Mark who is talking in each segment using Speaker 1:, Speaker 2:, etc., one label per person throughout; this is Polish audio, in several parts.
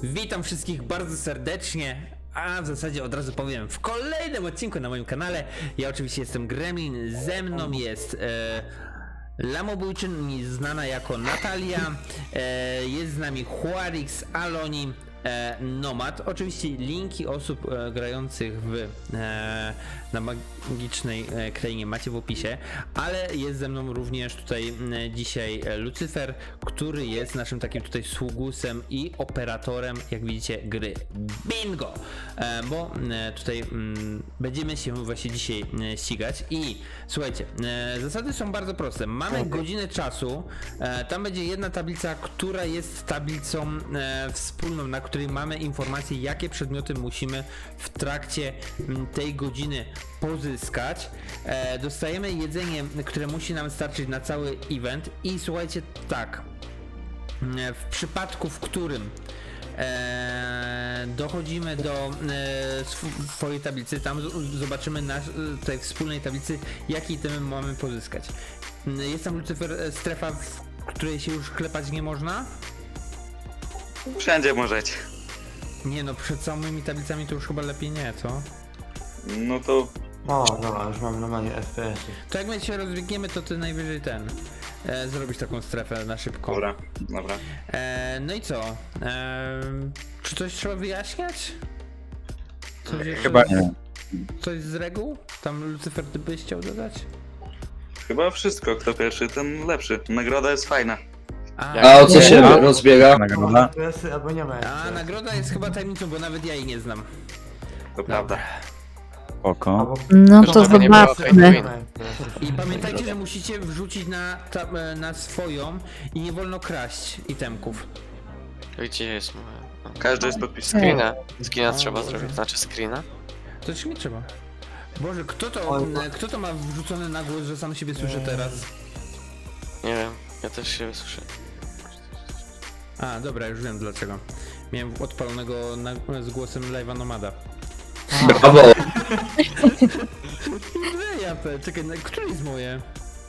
Speaker 1: Witam wszystkich bardzo serdecznie, a w zasadzie od razu powiem w kolejnym odcinku na moim kanale. Ja oczywiście jestem Gremlin, ze mną jest Lamobójczyn, znana jako Natalia, jest z nami Huarix, Aloni, Nomad. Oczywiście linki osób grających na magicznej krainie macie w opisie, ale jest ze mną również tutaj dzisiaj Lucyfer, który jest naszym takim tutaj sługusem i operatorem, jak widzicie, gry Bingo, bo tutaj będziemy się właśnie dzisiaj ścigać i słuchajcie, zasady są bardzo proste. Mamy godzinę czasu, tam będzie jedna tablica, która jest tablicą wspólną, na której mamy informacje, jakie przedmioty musimy w trakcie tej godziny pozyskać. Dostajemy jedzenie, które musi nam starczyć na cały event i słuchajcie, tak, w przypadku, w którym dochodzimy do swojej tablicy, tam zobaczymy na tej wspólnej tablicy, jakie itemy mamy pozyskać. Jest tam, Lucyfer, strefa, w której się już klepać nie można?
Speaker 2: Wszędzie możecie.
Speaker 1: Nie no, przed samymi tablicami to już chyba lepiej nie, co?
Speaker 2: No to
Speaker 3: O, dobra, już mam normalnie FPS-y.
Speaker 1: To jak my się rozbiegniemy, to ty najwyżej zrobisz taką strefę na szybko.
Speaker 2: dobra, dobra.
Speaker 1: No i co? Czy coś trzeba wyjaśniać? Coś jeszcze
Speaker 4: Chyba nie.
Speaker 1: Coś z reguł? Tam, Lucyfer, ty byś chciał dodać?
Speaker 2: Chyba wszystko, kto pierwszy, ten lepszy. Nagroda jest fajna.
Speaker 5: A o co się rozbiega?
Speaker 4: Nagroda?
Speaker 3: FPS-y albo nie ma FPS.
Speaker 1: Nagroda jest chyba tajemnicą, bo nawet ja jej nie znam.
Speaker 2: To prawda.
Speaker 4: Spoko.
Speaker 3: Albo...
Speaker 6: No to
Speaker 5: Żeby nie było
Speaker 6: zobaczmy.
Speaker 3: nie ma FPS-ów.
Speaker 1: I pamiętajcie, że musicie wrzucić na swoją i nie wolno kraść itemków.
Speaker 5: Gdzie jest moja?
Speaker 2: Każdy jest podpisany.
Speaker 5: Screena trzeba zrobić, znaczy screena.
Speaker 1: To czy mi trzeba? Boże, kto to ma wrzucone na głos, że sam siebie słyszę teraz?
Speaker 5: Nie wiem, ja też się słyszę.
Speaker 1: A, dobra, już wiem dlaczego. Miałem odpalonego z głosem live'a Nomada.
Speaker 5: Brawo!
Speaker 1: Czekaj, które jest moje?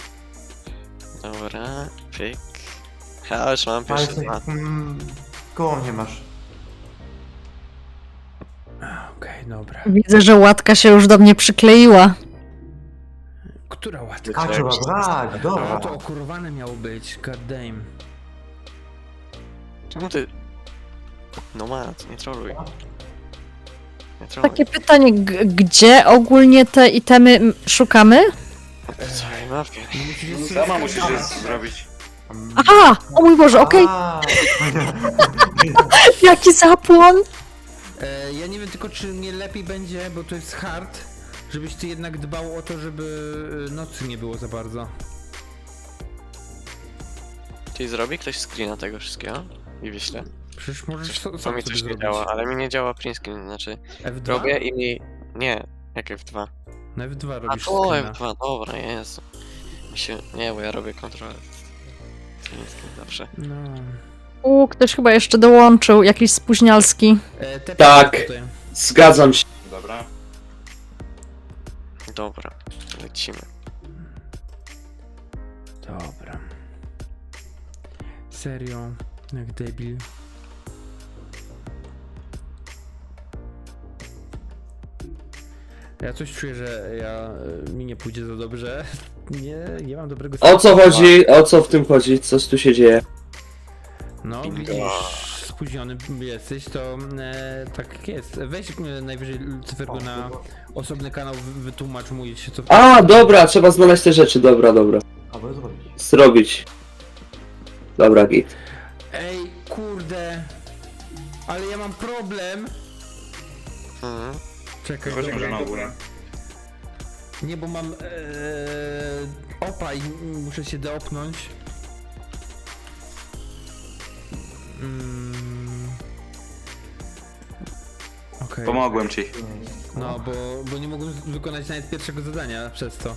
Speaker 5: Dobra, pyk. Ja już mam pierwszy
Speaker 3: Palce,
Speaker 5: dwa.
Speaker 3: koło mnie masz.
Speaker 1: Okej, dobra.
Speaker 6: Widzę, że łatka się już do mnie przykleiła.
Speaker 1: Która łatka?
Speaker 3: A, trzeba brać,
Speaker 1: A,
Speaker 3: dobra.
Speaker 1: to okurowane miało być, god damn.
Speaker 5: Czemu ty... No mat, nie troluj. Nie troluj.
Speaker 6: Takie pytanie, gdzie ogólnie te itemy szukamy?
Speaker 5: Po całej mapie.
Speaker 2: Sama musisz je zrobić.
Speaker 6: Aha! O mój Boże, okej,
Speaker 3: A,
Speaker 6: jaki zapłon!
Speaker 1: Ja nie wiem tylko, czy nie lepiej będzie, bo to jest hard, żebyś ty jednak dbał o to, żeby nocy nie było za bardzo.
Speaker 5: Czyli zrobi ktoś screena tego wszystkiego? I wyślę.
Speaker 1: Przecież możesz
Speaker 5: Coś,
Speaker 1: sam
Speaker 5: to mi
Speaker 1: sobie
Speaker 5: coś nie
Speaker 1: zrobić.
Speaker 5: działa, ale mi nie działa print screen, znaczy
Speaker 1: F2?
Speaker 5: robię i mi... Nie, jak F2.
Speaker 1: Na F2
Speaker 5: A
Speaker 1: robisz
Speaker 5: to
Speaker 1: screena.
Speaker 5: F2, dobra, Jezu. Mi się... Nie, bo ja robię kontrolę. Print screen zawsze.
Speaker 1: No.
Speaker 6: Ktoś chyba jeszcze dołączył, jakiś spóźnialski.
Speaker 5: Tak.
Speaker 1: Tutaj.
Speaker 5: Zgadzam się.
Speaker 2: Dobra.
Speaker 5: Dobra, lecimy.
Speaker 1: Dobra. Serio, jak debil. Ja coś czuję, że mi nie pójdzie za dobrze. Nie mam dobrego
Speaker 7: O co chodzi? O co w tym chodzi? Co tu się dzieje?
Speaker 1: No,
Speaker 5: Bingo.
Speaker 1: widzisz, spóźniony jesteś, to tak jest. Weź najwyżej Lucyfer go na osobny kanał, wytłumacz mu się co...
Speaker 7: A, dobra, trzeba znaleźć te rzeczy, dobra.
Speaker 3: albo zrobić.
Speaker 7: Zrobić. Dobra, git.
Speaker 1: Ej, kurde. Ale ja mam problem.
Speaker 5: Mhm.
Speaker 1: Czekaj,
Speaker 2: Chodźmy
Speaker 1: dobra.
Speaker 2: na górę.
Speaker 1: Nie, bo mam opa i muszę się doopnąć. Okej.
Speaker 2: Pomogłem ci.
Speaker 1: No, bo nie mogłem wykonać nawet pierwszego zadania przez to.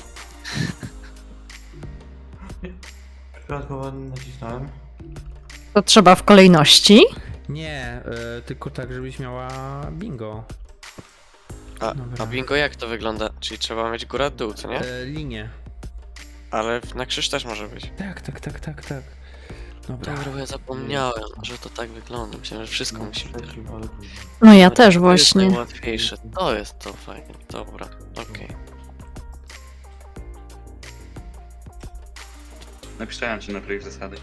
Speaker 3: Przypadkowo nacisnąłem.
Speaker 6: To trzeba w kolejności.
Speaker 1: Nie, tylko tak, żebyś miała bingo. Dobra.
Speaker 5: A bingo jak to wygląda? Czyli trzeba mieć górę-dół, co nie?
Speaker 1: Linię.
Speaker 5: Ale na krzyż też może być.
Speaker 1: Tak. Dobra.
Speaker 5: Dobra, bo ja zapomniałem, że to tak wygląda. Myślałem, że wszystko
Speaker 3: No,
Speaker 5: musi być.
Speaker 3: trzeci, ale później.
Speaker 6: No ja też
Speaker 5: To jest
Speaker 6: właśnie.
Speaker 5: najłatwiejsze. To jest to fajnie. Dobra, okej.
Speaker 2: Napisałem ci na projekt zasady.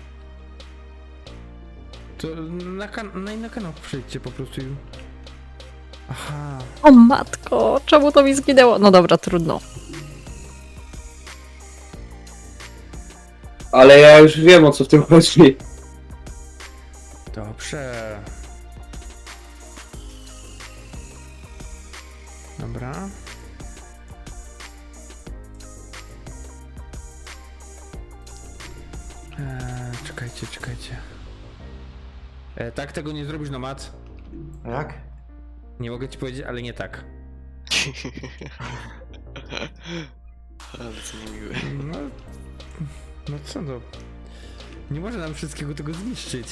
Speaker 1: To na kanał przejdźcie po prostu i... Aha.
Speaker 6: O matko, czemu to mi zginęło? No dobra, trudno.
Speaker 7: Ale ja już wiem, o co w tym chodzi.
Speaker 1: Dobrze. Dobra. Czekajcie. Tak tego nie zrobisz, Nomad.
Speaker 3: A jak?
Speaker 1: Nie mogę ci powiedzieć, ale nie tak.
Speaker 5: Ale to niemiłe.
Speaker 1: No, no co no. Nie może nam wszystkiego tego zniszczyć.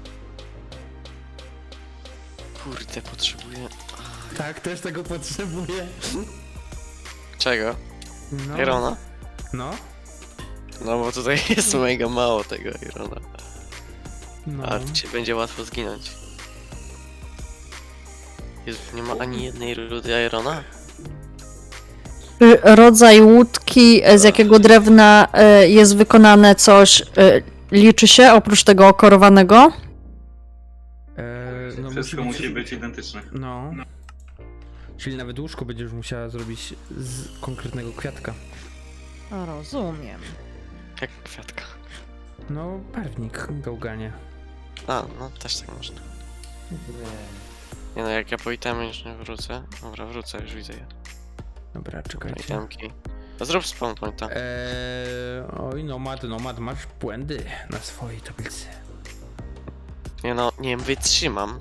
Speaker 5: Kurde, potrzebuję...
Speaker 1: Tak, też tego potrzebuję.
Speaker 5: Czego?
Speaker 1: No.
Speaker 5: Irona?
Speaker 1: No.
Speaker 5: No bo tutaj jest mega mało tego Irona.
Speaker 1: No.
Speaker 5: A ci będzie łatwo zginąć. Jezu, nie ma ani jednej rudy Irona?
Speaker 6: Czy rodzaj łódki, z jakiego drewna jest wykonane coś, liczy się oprócz tego okorowanego?
Speaker 1: No
Speaker 2: Wszystko musi być identyczne.
Speaker 1: No. Czyli nawet łóżko będziesz musiała zrobić z konkretnego kwiatka.
Speaker 6: Rozumiem.
Speaker 5: Jak kwiatka.
Speaker 1: No, barwnik, gałganie.
Speaker 5: A, no też tak można. Nie no, jak ja po itemy już nie wrócę. Dobra, wrócę, już widzę je.
Speaker 1: Dobra, czekajcie.
Speaker 5: Itemki. No zrób spawn pointa.
Speaker 1: Oj, Nomad, masz błędy na swojej tablicy.
Speaker 5: Nie no, nie wytrzymam.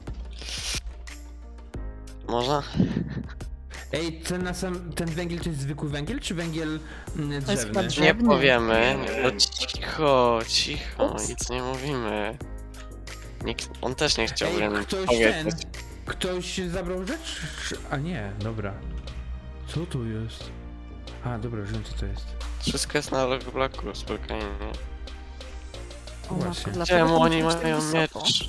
Speaker 5: Można?
Speaker 1: Ej, ten węgiel to jest zwykły węgiel, czy węgiel
Speaker 6: To jest
Speaker 1: drzewny?
Speaker 6: chyba
Speaker 5: Nie
Speaker 6: Drzewny.
Speaker 5: powiemy. No cicho,
Speaker 6: Ups.
Speaker 5: nic nie mówimy. Nikt, on też nie chciał
Speaker 1: Ej,
Speaker 5: nam
Speaker 1: ktoś
Speaker 5: powiedzieć.
Speaker 1: Ktoś zabrał rzecz? A nie, dobra. Co to jest? A, dobra, wiem co to jest.
Speaker 5: Wszystko jest na logblaku, spokojnie.
Speaker 6: O
Speaker 1: Właśnie.
Speaker 6: matko, dlaczego
Speaker 5: Czemu
Speaker 6: to
Speaker 5: oni
Speaker 6: musi być tak
Speaker 5: mają
Speaker 6: wysoko?
Speaker 5: miecz?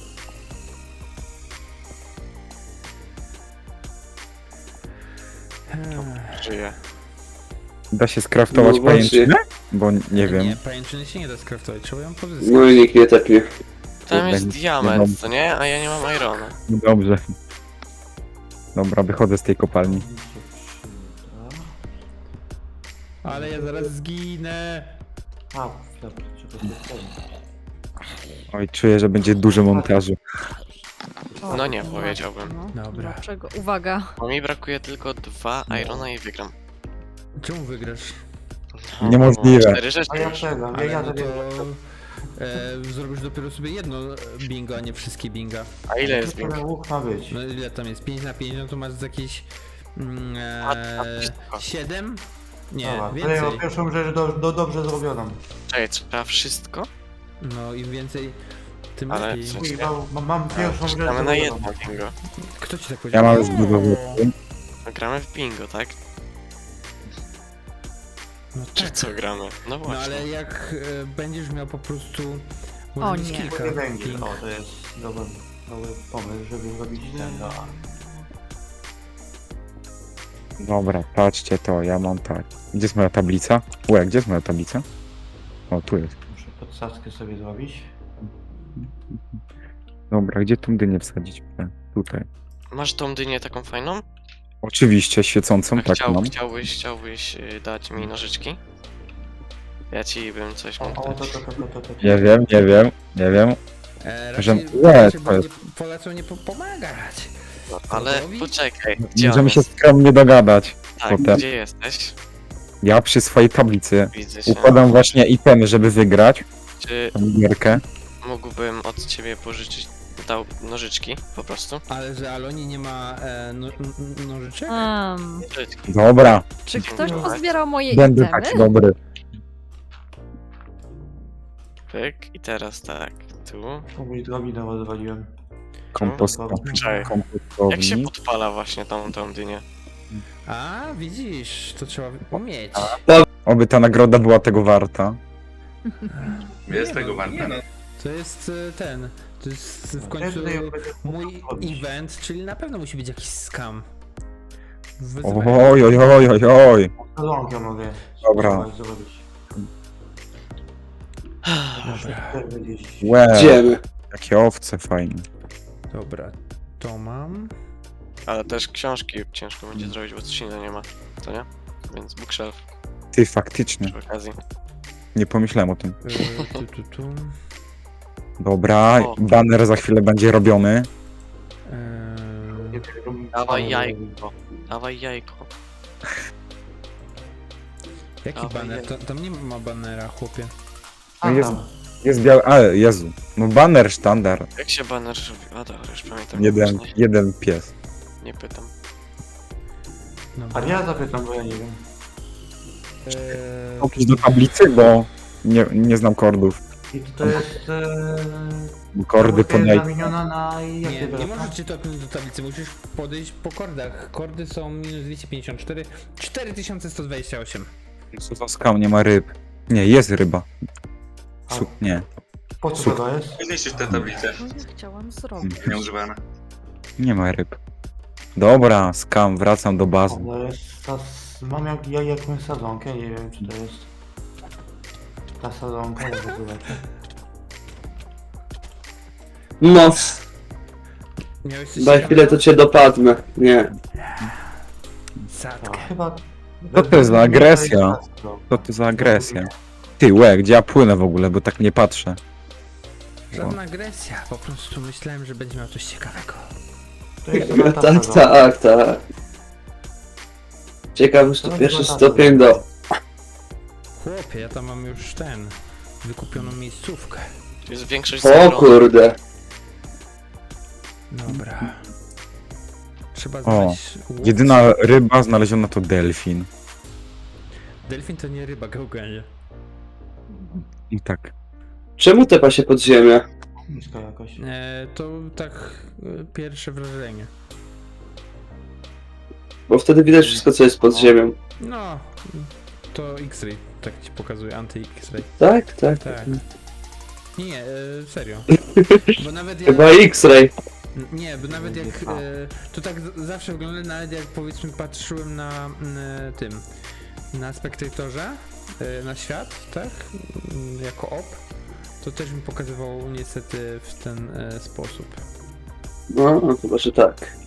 Speaker 5: Żyje.
Speaker 4: Da się skraftować
Speaker 7: No właśnie.
Speaker 4: pajęczynę? Bo nie wiem.
Speaker 1: Nie, pajęczyny się nie da skraftować, trzeba ją pozyskać.
Speaker 7: No i nikt nie tepnie.
Speaker 5: Tam jest
Speaker 4: Kurde,
Speaker 5: diament, co nie? A ja nie mam irona.
Speaker 4: No dobrze. Dobra, wychodzę z tej kopalni.
Speaker 1: Ale ja zaraz zginę.
Speaker 3: A, dobra, trzeba to zrobić.
Speaker 4: Oj, czuję, że będzie dużo montażu.
Speaker 6: O,
Speaker 5: No nie,
Speaker 6: matko,
Speaker 5: powiedziałbym.
Speaker 6: no.
Speaker 1: Dobra.
Speaker 6: Dlaczego? Uwaga.
Speaker 5: Bo mi brakuje tylko 2 irona i wygram.
Speaker 1: Czemu wygrasz?
Speaker 5: No,
Speaker 4: Niemożliwe.
Speaker 5: 4 rzeczy
Speaker 3: A ja
Speaker 5: już.
Speaker 3: czego?
Speaker 1: Ale
Speaker 3: Ja
Speaker 1: no
Speaker 3: zabiję.
Speaker 1: zrobisz dopiero sobie jedno bingo, a nie wszystkie binga.
Speaker 5: A ile jest
Speaker 3: Tylko na łuk ma być.
Speaker 1: No ile tam jest? 5 na 5, no to masz z jakieś...
Speaker 5: wszystko.
Speaker 1: 7? Nie,
Speaker 3: Dobra, to ja
Speaker 1: więcej.
Speaker 3: pierwszą rzecz dobrze zrobioną.
Speaker 5: Czekaj, trzeba wszystko?
Speaker 1: No im więcej, tym
Speaker 5: Ale
Speaker 1: lepiej.
Speaker 5: co-
Speaker 3: Kurwa, mam pierwszą rzecz
Speaker 5: Gramy na
Speaker 3: zrobioną.
Speaker 5: jedno bingo.
Speaker 1: Kto ci tak
Speaker 4: Ja
Speaker 1: powiedział?
Speaker 4: mam już budowę.
Speaker 5: No, gramy w bingo, tak?
Speaker 1: No
Speaker 5: Czy
Speaker 1: tak.
Speaker 5: co gramy? No
Speaker 1: No
Speaker 5: właśnie.
Speaker 1: ale jak będziesz miał po prostu...
Speaker 6: O
Speaker 1: może mieć
Speaker 6: nie.
Speaker 1: kilka
Speaker 3: Nie węgiel.
Speaker 1: ping.
Speaker 3: O, to jest dobry pomysł, żeby zrobić ten. No.
Speaker 4: Dobra, patrzcie to, ja mam tak. Gdzie jest moja tablica? Łe, gdzie jest moja tablica? O, tu jest.
Speaker 3: Muszę podsadzkę sobie zrobić.
Speaker 4: Dobra, gdzie tą dynię wsadzić? Tutaj.
Speaker 5: Masz tą dynię taką fajną?
Speaker 4: Oczywiście, świecącą,
Speaker 5: A
Speaker 4: tak mam.
Speaker 5: chciałbyś dać mi nożyczki? Ja ci bym coś mógł
Speaker 3: O,
Speaker 5: dać.
Speaker 3: to.
Speaker 4: Nie wiem. Że-
Speaker 1: Raczej
Speaker 4: to jest-
Speaker 1: polecą nie pomagać.
Speaker 5: No, ale
Speaker 1: Wrogowi?
Speaker 5: poczekaj, gdzie on
Speaker 4: Możemy się
Speaker 5: jest?
Speaker 4: skromnie dogadać.
Speaker 5: Tak,
Speaker 4: potem.
Speaker 5: gdzie jesteś?
Speaker 4: Ja przy swojej tablicy
Speaker 5: Widzę się.
Speaker 4: układam właśnie itemy, żeby wygrać
Speaker 5: Czy
Speaker 4: tą gierkę.
Speaker 5: mógłbym od ciebie pożyczyć nożyczki po prostu?
Speaker 1: Ale że Aloni nie ma nożyczek?
Speaker 5: Nożyczki.
Speaker 4: Dobra,
Speaker 6: Czy ktoś pozbierał moje
Speaker 4: będę
Speaker 6: itemy?
Speaker 4: taki dobry.
Speaker 5: Pyk i teraz tak, tu.
Speaker 3: Mój drobinę rozwaliłem.
Speaker 5: Czekaj. Jak się
Speaker 4: Kompostownik.
Speaker 5: podpala właśnie tą dynię?
Speaker 1: A, widzisz, to trzeba umieć.
Speaker 4: Oby ta nagroda była tego warta.
Speaker 2: Jest
Speaker 1: Nie
Speaker 2: tego
Speaker 1: no,
Speaker 2: warta.
Speaker 1: nie no. To jest to jest w końcu mój event, czyli na pewno musi być jakiś scam.
Speaker 4: Oj, oj, oj, oj, oj.
Speaker 3: Salonkę mogę.
Speaker 4: Dobra.
Speaker 3: spróbować zrobić.
Speaker 4: Łe,
Speaker 7: Idziemy.
Speaker 4: jakie owce fajne.
Speaker 1: Dobra, to mam.
Speaker 5: Ale też książki ciężko będzie zrobić, bo coś innego nie ma. To nie? Więc bookshelf
Speaker 4: Ty, faktycznie.
Speaker 5: przy okazji.
Speaker 4: Nie pomyślałem o tym.
Speaker 1: Tu.
Speaker 4: Dobra,
Speaker 5: O.
Speaker 4: banner za chwilę będzie robiony.
Speaker 5: Dawaj jajko. Dawaj jajko.
Speaker 1: Jaki
Speaker 5: Dawaj,
Speaker 1: banner?
Speaker 5: jajko.
Speaker 1: Tam nie ma banera, chłopie.
Speaker 3: A,
Speaker 4: jest-
Speaker 3: tam.
Speaker 4: Jest biały, ale Jezu. No banner sztandar.
Speaker 5: Jak się banner robi? A dobra, już pamiętam.
Speaker 4: Jeden,
Speaker 5: Właśnie
Speaker 4: jeden pies.
Speaker 5: Nie pytam.
Speaker 1: Dobra.
Speaker 3: A ja zapytam, bo ja nie wiem.
Speaker 4: Opisz do tablicy, bo nie znam kordów.
Speaker 3: I to jest...
Speaker 4: Bo kordy
Speaker 3: Jest
Speaker 4: podaj.
Speaker 3: zamieniona na...
Speaker 1: Nie,
Speaker 3: jakie
Speaker 1: nie możesz cię topnąć do tablicy, musisz podejść po kordach. Kordy są minus 254, 4128.
Speaker 4: Co za skał, nie ma ryb. Nie, jest ryba. Nie,
Speaker 3: Po co to jest?
Speaker 2: Zniszczysz tę tablicę.
Speaker 6: No ja chciałam zrobić.
Speaker 2: Nieużywane.
Speaker 4: nie ma ryb. Dobra, skam, wracam do bazy.
Speaker 3: To jest mam jakąś sadzonkę, nie wiem czy to jest... Ta sadzonka, jak to zobaczę.
Speaker 7: No,
Speaker 1: Miałeś coś
Speaker 7: daj chwilę, to cię dopadnę. Nie.
Speaker 1: Sadkę.
Speaker 3: Chyba...
Speaker 4: Co to jest za agresja? Co to za agresja? Ty, łe, gdzie ja płynę w ogóle, bo tak nie patrzę.
Speaker 1: Żadna agresja, po prostu myślałem, że będzie miał coś ciekawego.
Speaker 3: To jest chyba ta
Speaker 7: Tak,
Speaker 3: sadzonka.
Speaker 7: tak, tak. Ciekawe, że to pierwszy stopień do...
Speaker 1: Chłopie, ja tam mam już wykupioną miejscówkę.
Speaker 5: Tu jest większość
Speaker 7: O
Speaker 5: zero.
Speaker 7: kurde.
Speaker 1: Dobra. Trzeba znaleźć łódź.
Speaker 4: Jedyna ryba znaleziona to delfin.
Speaker 1: Delfin to nie ryba, gałganie.
Speaker 4: I tak.
Speaker 7: Czemu tepa się pod ziemię?
Speaker 3: Niska jakaś.
Speaker 1: To tak pierwsze wrażenie.
Speaker 7: Bo wtedy widać wszystko, co jest pod ziemią.
Speaker 1: No, to X-ray, tak ci pokazuje, anty-X-ray.
Speaker 7: Tak, tak.
Speaker 1: Tak. Nie, serio. Bo nawet jak...
Speaker 7: Chyba X-ray.
Speaker 1: Nie, bo nawet jak... to tak zawsze wygląda, nawet jak powiedzmy patrzyłem na tym... Na spektatorze, na świat, tak? Jako op. To też mi pokazywał niestety w ten sposób.
Speaker 7: No, chyba, że tak.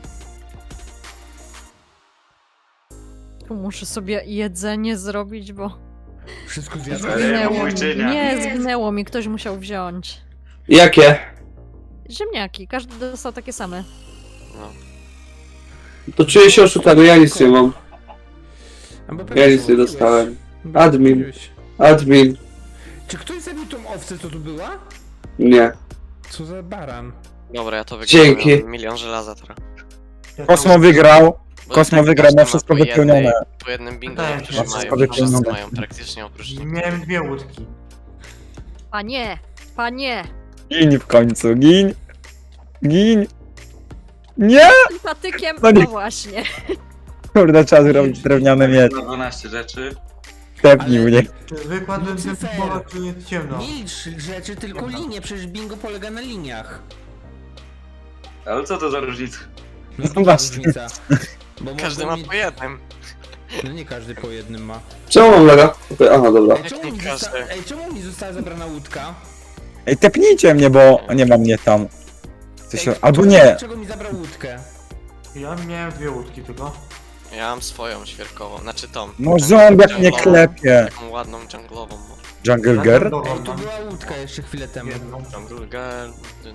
Speaker 6: Muszę sobie jedzenie zrobić, bo
Speaker 1: Wszystko zjadłeś?
Speaker 6: zginęło mi.
Speaker 2: Mójczynia.
Speaker 6: Nie, zginęło mi, ktoś musiał wziąć.
Speaker 7: Jakie?
Speaker 6: Ziemniaki, każdy dostał takie same.
Speaker 5: No.
Speaker 7: To czuję się oszukany, ja nic nie mam.
Speaker 1: A bo pewnie
Speaker 7: Ja nic nie
Speaker 1: mówiłeś.
Speaker 7: dostałem.
Speaker 1: Bo
Speaker 7: Admin.
Speaker 1: mówiłeś.
Speaker 7: Admin.
Speaker 1: Czy ktoś zabił tą owcę, co tu była?
Speaker 7: Nie.
Speaker 1: Co za baran?
Speaker 5: Dobra, ja to wygrałem.
Speaker 7: Dzięki.
Speaker 5: Mam milion żelaza teraz.
Speaker 4: Kosmo wygrał.
Speaker 5: Bo
Speaker 4: Kosmo
Speaker 5: tak
Speaker 4: wygrał,
Speaker 5: każdy
Speaker 4: ma
Speaker 5: ma
Speaker 4: wszystko
Speaker 5: po jednej-
Speaker 4: wypełnione.
Speaker 5: Po jednym bingo,
Speaker 3: Wydaje mi się,
Speaker 5: którzy
Speaker 3: że
Speaker 5: mają,
Speaker 3: wszystko
Speaker 5: wszyscy
Speaker 4: wypełnione.
Speaker 5: mają praktycznie oprócz nich.
Speaker 3: Miałem dwie łódki.
Speaker 6: Panie, panie!
Speaker 4: Gin w końcu, gin. Gin. Nie!
Speaker 6: Tym patykiem,
Speaker 4: No nie.
Speaker 6: no właśnie.
Speaker 4: Kurde, trzeba zrobić drewniane miecz.
Speaker 2: Na 12 rzeczy.
Speaker 4: Tepnij
Speaker 1: Ale-
Speaker 4: mnie.
Speaker 3: Wykładłem
Speaker 1: Lucyfer.
Speaker 3: ten pola, tu jest ciemno.
Speaker 1: Milcz rzeczy, tylko linie, przecież bingo polega na liniach.
Speaker 2: Ale co to za różnica?
Speaker 1: No
Speaker 4: No
Speaker 1: duża
Speaker 4: właśnie.
Speaker 1: różnica. Bo
Speaker 5: Każdy
Speaker 1: mogą
Speaker 5: ma
Speaker 1: mieć-
Speaker 5: po jednym.
Speaker 1: No nie każdy po jednym ma.
Speaker 7: Czemu mam laga? Aha, dobra.
Speaker 1: Ej, czemu mi została zabrana łódka?
Speaker 4: Ej, tepnijcie mnie, bo nie ma mnie tam. Coś... Albo nie.
Speaker 1: Dlaczego mi zabrał łódkę?
Speaker 3: Ja miałem dwie łódki tylko.
Speaker 5: Ja mam swoją świerkową, znaczy tą.
Speaker 4: No
Speaker 5: taką
Speaker 4: ząbek mnie
Speaker 5: dżunglową-
Speaker 4: klepie.
Speaker 5: Taką ładną dżunglową.
Speaker 4: Jungle
Speaker 3: Ja
Speaker 4: Girl?
Speaker 3: dębową
Speaker 1: Ej, tu
Speaker 3: mam.
Speaker 1: była łódka jeszcze chwilę temu.
Speaker 3: Jedną.
Speaker 5: Jungle girl.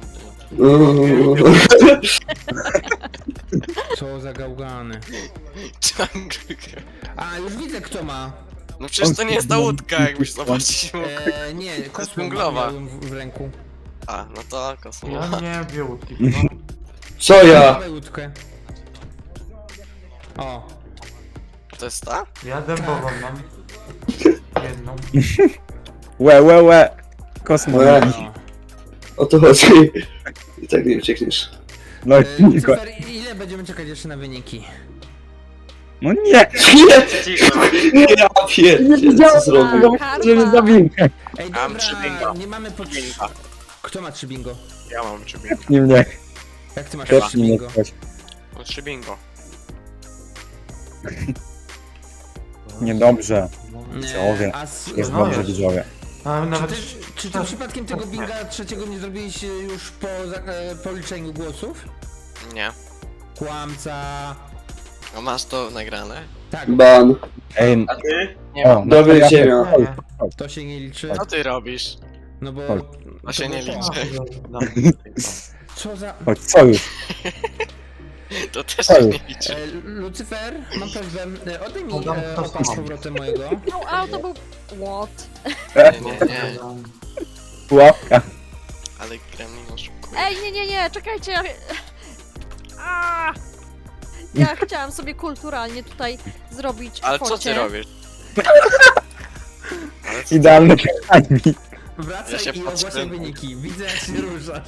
Speaker 1: Co za gałgany.
Speaker 5: Jungle girl.
Speaker 1: A, już widzę kto ma.
Speaker 5: No przecież to nie jest ta łódka, jakbyś zobaczyć mógł.
Speaker 1: Nie, kosmo
Speaker 5: dżunglowa.
Speaker 1: miałem w ręku.
Speaker 5: A, no to kosmo.
Speaker 3: Ja miałem dwie łódki tylko.
Speaker 7: Co ja?
Speaker 1: Dawaj łódkę. O,
Speaker 5: To jest ta?
Speaker 3: Ja dębową mam. Jedną.
Speaker 4: Łe. Kosmo.
Speaker 7: Łe.
Speaker 1: no.
Speaker 7: O to chodzi. I tak nie uciekniesz.
Speaker 4: No tylko.
Speaker 1: Lucyfer, ile będziemy czekać jeszcze na wyniki?
Speaker 4: No nie!
Speaker 7: Nie!
Speaker 2: Cicho.
Speaker 7: Ja pierdzie, co zrobił?
Speaker 6: Karma.
Speaker 4: Że mnie zabił.
Speaker 1: Ej,
Speaker 5: Mam
Speaker 1: dobra,
Speaker 5: trzy bingo.
Speaker 1: nie mamy po
Speaker 5: Bingo.
Speaker 1: Kto ma 3 bingo?
Speaker 5: Ja mam 3 bingo.
Speaker 4: Nie mnie,
Speaker 1: Jak ty masz
Speaker 4: też
Speaker 1: 3
Speaker 4: nie
Speaker 1: bingo?
Speaker 4: ktoś.
Speaker 5: Mam 3 bingo.
Speaker 4: Niedobrze,
Speaker 1: Nie,
Speaker 4: Widzowie.
Speaker 1: a s-
Speaker 4: jest
Speaker 3: No
Speaker 4: dobrze
Speaker 3: jest.
Speaker 4: widzowie.
Speaker 3: A
Speaker 1: czy
Speaker 3: nawet...
Speaker 1: ty przypadkiem tego binga trzeciego nie zrobiliście już po liczeniu głosów?
Speaker 5: Nie.
Speaker 1: Kłamca.
Speaker 5: A masz to nagrane?
Speaker 1: Tak,
Speaker 7: Ban.
Speaker 4: Ej,
Speaker 2: A ty?
Speaker 5: Nie
Speaker 4: o,
Speaker 5: mam.
Speaker 7: Dobry
Speaker 4: ja-
Speaker 7: ziemia.
Speaker 3: Nie, nie.
Speaker 1: to się nie liczy.
Speaker 5: Co ty robisz?
Speaker 1: No bo...
Speaker 4: Chodź.
Speaker 5: To się nie
Speaker 1: było
Speaker 5: liczy.
Speaker 1: Co za...
Speaker 4: Chodź, co już?
Speaker 5: To też
Speaker 4: Oj.
Speaker 5: się nie liczy.
Speaker 1: Lucyfer, mam prośbę, oddaj mi
Speaker 3: Oddam to
Speaker 1: opak z
Speaker 3: samo.
Speaker 1: powrotem mojego.
Speaker 6: A to był... What?
Speaker 5: Nie.
Speaker 4: Pułapka.
Speaker 5: Ale Gremlin oszukuje.
Speaker 6: Ej, nie, czekajcie. A! Ja chciałam sobie kulturalnie tutaj zrobić
Speaker 5: Ale co
Speaker 6: focie.
Speaker 5: ty robisz? Ale co
Speaker 4: Idealny timing.
Speaker 1: Wracaj
Speaker 5: Ja się
Speaker 1: i ogłaszaj
Speaker 5: patrzę.
Speaker 1: wyniki. Widzę jak się ruszasz.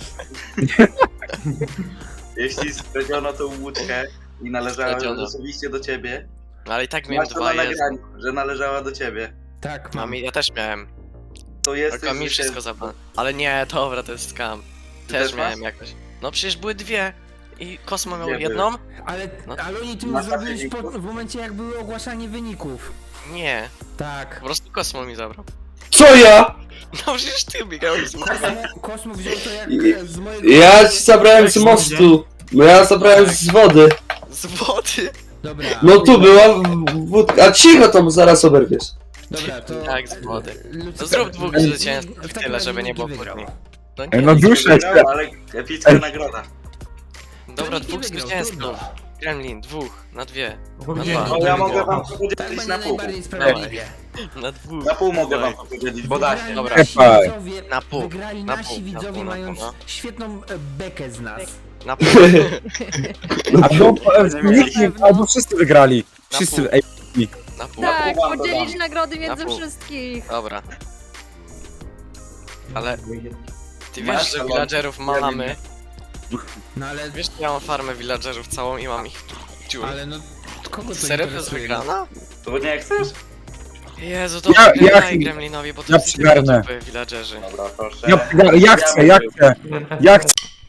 Speaker 2: Jeśli skradziono tą łódkę i należała
Speaker 5: Skradziono.
Speaker 2: osobiście do ciebie,
Speaker 5: No ale i tak miałem
Speaker 2: masz to na
Speaker 5: 2-1.
Speaker 2: nagraniu, że należała do ciebie.
Speaker 1: Tak,
Speaker 5: Mam,
Speaker 1: mam.
Speaker 5: ja też miałem.
Speaker 2: To jesteś
Speaker 5: Tylko mi wszystko zabrano. Ale nie, dobra, to jest scam.
Speaker 2: Ty
Speaker 5: Też
Speaker 2: też
Speaker 5: miałem
Speaker 2: masz?
Speaker 5: jakoś. No przecież były dwie. I Kosmo miał
Speaker 2: Dwie
Speaker 5: jedną?
Speaker 1: Ale,
Speaker 5: No.
Speaker 1: ale oni ty
Speaker 2: Na
Speaker 1: już zrobiłeś
Speaker 2: wyniku?
Speaker 1: w momencie jak były ogłaszanie wyników.
Speaker 5: Nie.
Speaker 1: Tak.
Speaker 5: Po prostu Kosmo mi zabrał.
Speaker 7: Co ja?
Speaker 5: No przecież ty biegałeś z
Speaker 1: Kosmo wziął to jak z mojego...
Speaker 7: Ja ci zabrałem z mostu. No ja zabrałem z wody.
Speaker 5: z wody.
Speaker 1: Dobra.
Speaker 7: No tu była wódka. A cicho tam, zaraz oberwiesz.
Speaker 1: Dobra, to...
Speaker 5: Jak z wody.
Speaker 1: Lucyfer,
Speaker 5: To zrób dwóch
Speaker 1: Niki
Speaker 5: zwycięstw
Speaker 1: w takim
Speaker 5: tyle,
Speaker 1: razie
Speaker 5: żeby nie
Speaker 1: Niki
Speaker 5: było
Speaker 1: wygrał.
Speaker 5: kłótni. No
Speaker 4: Ej,
Speaker 5: nie,
Speaker 4: no duszę
Speaker 2: Wygrał,
Speaker 4: się.
Speaker 2: ale epicka nagroda.
Speaker 5: dobra,
Speaker 1: Niki
Speaker 5: dwóch
Speaker 1: wygrał,
Speaker 5: zwycięzców.
Speaker 1: trudno.
Speaker 5: Gremlin, dwóch, na dwie,
Speaker 3: Powiedziałem,
Speaker 5: No
Speaker 2: No ja
Speaker 3: że
Speaker 2: mogę wam
Speaker 1: Tak
Speaker 2: powiedzieć
Speaker 1: będzie
Speaker 2: na pół.
Speaker 1: najbardziej sprawiedliwie.
Speaker 5: na dwóch.
Speaker 2: Na pół mogę
Speaker 5: Dawaj.
Speaker 2: wam powiedzieć, bo daj.
Speaker 1: Wygrali
Speaker 5: Dobra.
Speaker 1: nasi
Speaker 4: Epaj.
Speaker 1: widzowie,
Speaker 5: Na pół,
Speaker 1: wygrali
Speaker 5: na
Speaker 1: nasi
Speaker 5: pół, na
Speaker 1: widzowie
Speaker 5: pół, na pół,
Speaker 1: mając
Speaker 5: no.
Speaker 1: świetną bekę z nas.
Speaker 5: Na pół,
Speaker 4: A to albo wszyscy wygrali.
Speaker 5: Na
Speaker 4: Wszyscy,
Speaker 5: pół.
Speaker 4: ej,
Speaker 5: na pół.
Speaker 6: Tak,
Speaker 2: wam
Speaker 6: podzielić
Speaker 2: dodam.
Speaker 6: nagrody między
Speaker 5: Na pół.
Speaker 6: wszystkich.
Speaker 5: Dobra. Ale ty
Speaker 2: Masz
Speaker 5: wiesz, że
Speaker 2: salon.
Speaker 5: villagerów mamy.
Speaker 1: No ale...
Speaker 5: Wiesz, że ja mam farmę villagerów całą i mam ich dziur.
Speaker 1: Ale no... Kogo to
Speaker 5: Serio to jest
Speaker 1: interesuje?
Speaker 5: wygrana?
Speaker 2: To bo nie jak chcesz?
Speaker 5: Jezu, to
Speaker 4: Ja-
Speaker 5: daj Gremlinowi, bo to
Speaker 4: ja
Speaker 5: jest
Speaker 4: przygarnę.
Speaker 5: villagerzy.
Speaker 2: Dobra, proszę.
Speaker 4: ja chcę. Ja chcę.